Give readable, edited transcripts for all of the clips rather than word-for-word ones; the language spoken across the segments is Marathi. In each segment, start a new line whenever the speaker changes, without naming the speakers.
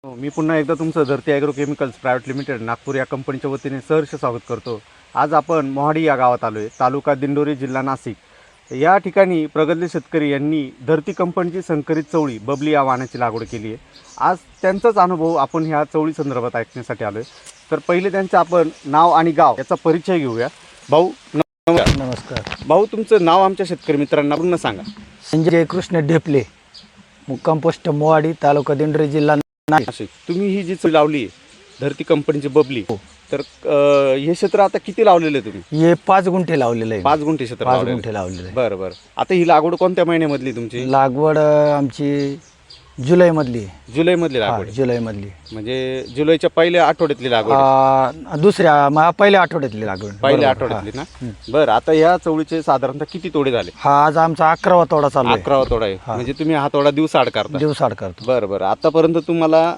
मी पुन्हा एकदा तुमचं Dharti agro chemicals private limited Nagpur या कंपनीच्या वतीने सहर्ष स्वागत करतो। आज आपण मोहाडी या गावात आलो आहे, तालुका दिंडोरी, जिल्हा नाशिक। या ठिकाणी प्रगतशील शेतकरी यांनी धरती कंपनीची संकरित चवळी बबली या वाहनाची लागवड केली आहे। आज त्यांचाच अनुभव आपण ह्या चवळी संदर्भात ऐकण्यासाठी आलो आहे। तर पहिले त्यांचं आपण नाव आणि गाव याचा परिचय घेऊया। भाऊ
नमस्कार।
भाऊ, तुमचं नाव आमच्या शेतकरी मित्रांना पूर्ण सांगा।
संजय कृष्ण ढेपले, मुक्काम पोस्ट मोहाडी, तालुका दिंडोरी, जिल्हा नाशिक।
तुम्ही ही जी चवळी लावली धरती कंपनीची बबली, तर हे क्षेत्र आता किती लावलेलं आहे तुम्ही?
हे 5 गुंठे लावलेलं आहे।
5 गुंठे क्षेत्र
5 गुंठे लावलेलं आहे।
बरं बरं। आता ही लागवड कोणत्या महिन्यामधली तुमची?
लागवड आमची जुलै मधली।
जुलै मधली लागवड?
जुलै मधली,
म्हणजे जुलैच्या पहिल्या आठवड्यातली लागवड?
दुसऱ्या पहिल्या आठवड्यातली लागवड।
पहिल्या आठवड्यातली ना? बरं। आता ह्या चवळीचे साधारणतः किती तोडे झाले?
हा आज आमचा 11वा तोडा चालू आहे।
11वा तोडा आहे, म्हणजे तुम्ही हा तोडा दिवसाआड करता?
दिवसाआड करतो।
बरं बरं। आतापर्यंत तुम्हाला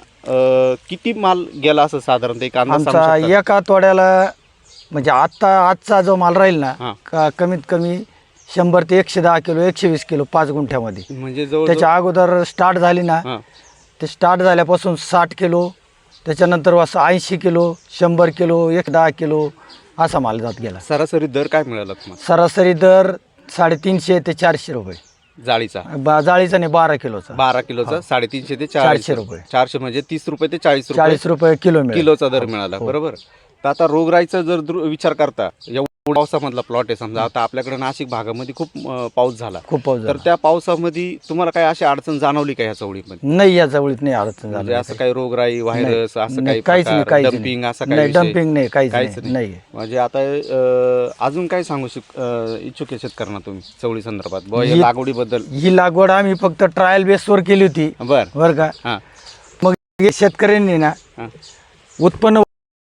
किती माल गेला असं साधारणतः एक अंदाज सांगू
आमचा
शकता?
एका तोड्याला म्हणजे आजचा जो माल राहील ना, कमीत कमी 100 ते 110 किलो, 120 किलो 5 गुंठ्यामध्ये।
म्हणजे जवळ
त्याच्या अगोदर स्टार्ट झाली ना, ते स्टार्ट झाल्यापासून 60 किलो, त्याच्यानंतर असं 80 किलो, 100 किलो, 110 किलो असा माल जात गेला।
सरासरी दर काय मिळाला तुम्हाला?
सरासरी दर 350 ते 400 रुपये
जाळीचा?
जाळीचा नाही, 12 किलोचा।
12 किलोचा 350 ते
400 रुपये।
400 म्हणजे 30 रुपये ते 40 रुपये
40 रुपये
किलोचा दर मिळाला। बरोबर। तर आता रोगराईचा जर विचार करता, पावसामधला प्लॉट आहे समजा, आता आपल्याकडे नाशिक भागामध्ये खूप पाऊस झाला,
खूप पाऊस झाला।
तर त्या पावसामध्ये तुम्हाला काय अशी अडचण जाणवली का ह्या चवळीमध्ये?
नाही, या चवळीत नाही अडचण झाली।
म्हणजे असं काही रोगराई, व्हायरस असं काही
काहीच नाही, काहीच
डम्पिंग असं
नाही,
काही
डम्पिंग नाही, काहीच नाही।
म्हणजे आता अजून काय सांगू इच्छुक आहे शेतकऱ्यांना तुम्ही चवळी संदर्भात या लागवडीबद्दल?
ही लागवड आम्ही फक्त ट्रायल बेसवर केली होती। बरं का? मग शेतकऱ्यांनी ना उत्पन्न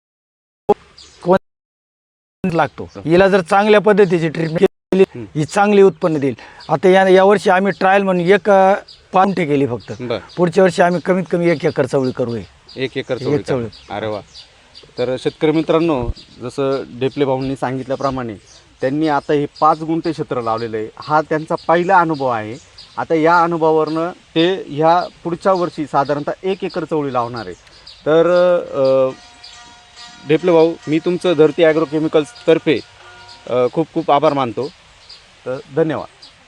लागतो, हिला जर चांगल्या पद्धतीची ट्रीटमेंट केली, ही चांगली उत्पन्न देईल। आता या वर्षी आम्ही ट्रायल म्हणून 1 गुंठे केली फक्त। पुढच्या वर्षी आम्ही कमीत कमी 1 एकर चवळी करू।
1 एकर चवळी? अरे वा। तर शेतकरी मित्रांनो, जसं ढेपले भाऊंनी सांगितल्याप्रमाणे त्यांनी आता हे 5 गुंठे क्षेत्र लावलेलं आहे। हा त्यांचा पहिला अनुभव आहे। आता या अनुभवावरनं ते ह्या पुढच्या वर्षी साधारणतः 1 एकर चवळी लावणार आहे। तर ढेपले भाऊ, मी तुमचं धरती ॲग्रो केमिकल्स तर्फे खूप खूप आभार मानतो। तर धन्यवाद।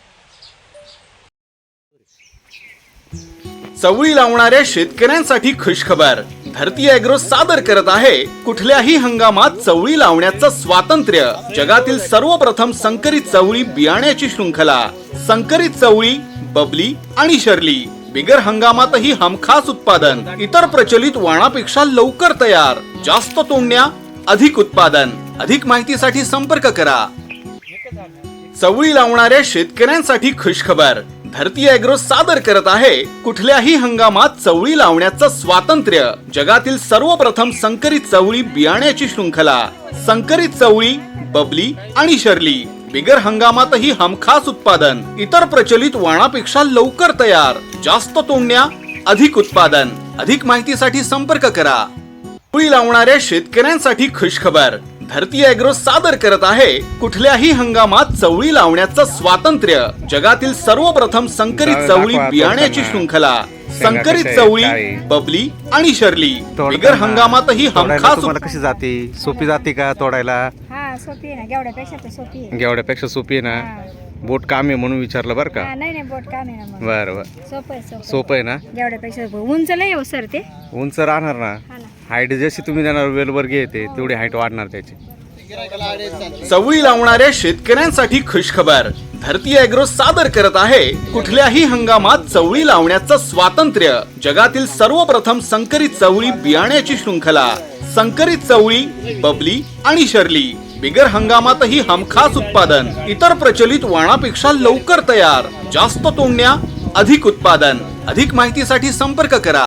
चवळी लावणाऱ्या शेतकऱ्यांसाठी खुशखबर, धरती ॲग्रो सादर करत आहे कुठल्याही हंगामात चवळी लावण्याचं स्वातंत्र्य। जगातील सर्वप्रथम संकरित चवळी बियाण्याची शृंखला, संकरित चवळी बबली आणि शर्ली। बिगर हंगामातही हमखास उत्पादन, इतर प्रचलित वाणापेक्षा लवकर तयार, जास्त तोडण्या, अधिक उत्पादन। अधिक माहितीसाठी संपर्क करा। चवळी लावणाऱ्या शेतकऱ्यांसाठी खुशखबर, धरती ॲग्रो सादर करत आहे कुठल्याही हंगामात चवळी लावण्याचं स्वातंत्र्य। जगातील सर्वप्रथम संकरित चवळी बियाण्याची शृंखला, संकरित चवळी बबली आणि शर्ली। बिगर हंगामातही हमखास उत्पादन, इतर प्रचलित वाणापेक्षा लवकर तयार, जास्त तोडण्या, अधिक उत्पादन। अधिक माहितीसाठी संपर्क करा। चवळी लावणाऱ्या शेतकऱ्यांसाठी खुशखबर, धरती ॲग्रो सादर करत आहे कुठल्याही हंगामात चवळी लावण्याचं स्वातंत्र्य। जगातील सर्वप्रथम संकरित चवळी बियाण्याची शृंखला, संकरित चवळी बबली आणि शर्ली। बिगर हंगामातही हमखास।
तुम्हाला कशी जाते? सोपी जाते का तोडायला?
सोपी आहे ना, गेवड्यापेक्षा तर सोपी आहे।
गेवड्यापेक्षा सोपी आहे ना? बोट काम आहे म्हणून विचारलं बरं का?
नाही बोट काम आहे ना।
बरं बरं। सोपं आहे ना?
गेवड्यापेक्षा उंच नाही हो सर, ते
उंच राहणार ना? हाईट जशी तुम्ही देणार वेलवर्गीय येते तेवढी हाईट वाढणार त्याची।
चवळी लावणाऱ्या शेतकऱ्यांसाठी खुशखबर, धरती ॲग्रो सादर करत आहे कुठल्याही हंगामात चवळी लावण्याचं स्वातंत्र्य। जगातील सर्वप्रथम संकरित चवळी बियाण्याची शृंखला, संकरित चवळी बबली आणि शर्ली। बिगर हंगामातही हमखास उत्पादन, इतर प्रचलित वाणापेक्षा लवकर तयार, जास्त तोडण्या, अधिक उत्पादन। अधिक माहितीसाठी संपर्क करा।